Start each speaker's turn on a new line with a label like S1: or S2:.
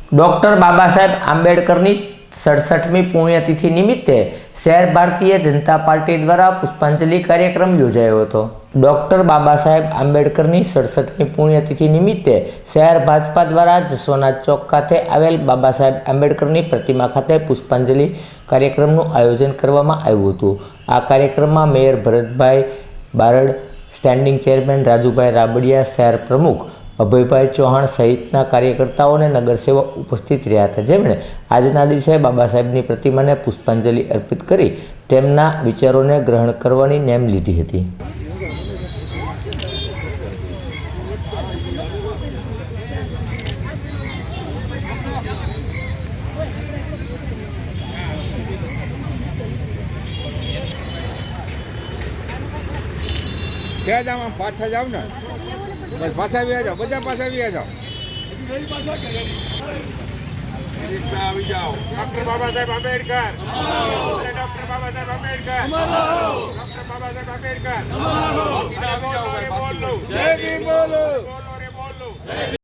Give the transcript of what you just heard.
S1: Doctor Baba साहेब आंबेडकरनी 67મી पुण्यतिथि निमित्ते शहर भारतीय जनता पार्टी द्वारा पुष्पांजलि कार्यक्रम योजायो हतो। डॉक्टर बाबा साहेब आंबेडकरनी 67મી पुण्यतिथि निमित्ते शहर भाजपा द्वारा जसवंत चौक खाते आवेल बाबा साहेब आंबेडकरनी प्रतिमा खाते पुष्पांजलि कार्यक्रमનું आयोजन કરવામાં આવ્યું હતું। આ કાર્યક્રમમાં mayor Bharatbhai Barad, standing chairman Rajubhai Rabadiya, શહેર પ્રમુખ અભયભાઈ ચૌહાણ સહિતના કાર્યકર્તાઓ અને નગરસેવક ઉપસ્થિત રહ્યા હતા, જેમણે આજના દિવસે બાબા સાહેબની પ્રતિમાને પુષ્પાંજલિ અર્પિત કરી તેમના વિચારોને ગ્રહણ કરવાની નેમ લીધી હતી।
S2: पाछा जाओ ना, बस पाछा भी आ जाओ, बधा पाछा भी आ जाओ। Doctor Baba Saheb Ambedkar, doctor Baba Saheb Ambedkar, doctor Baba Saheb Ambedkar. बोलो रे बोलो, जय भीम बोलो, बोलो रे बोलो।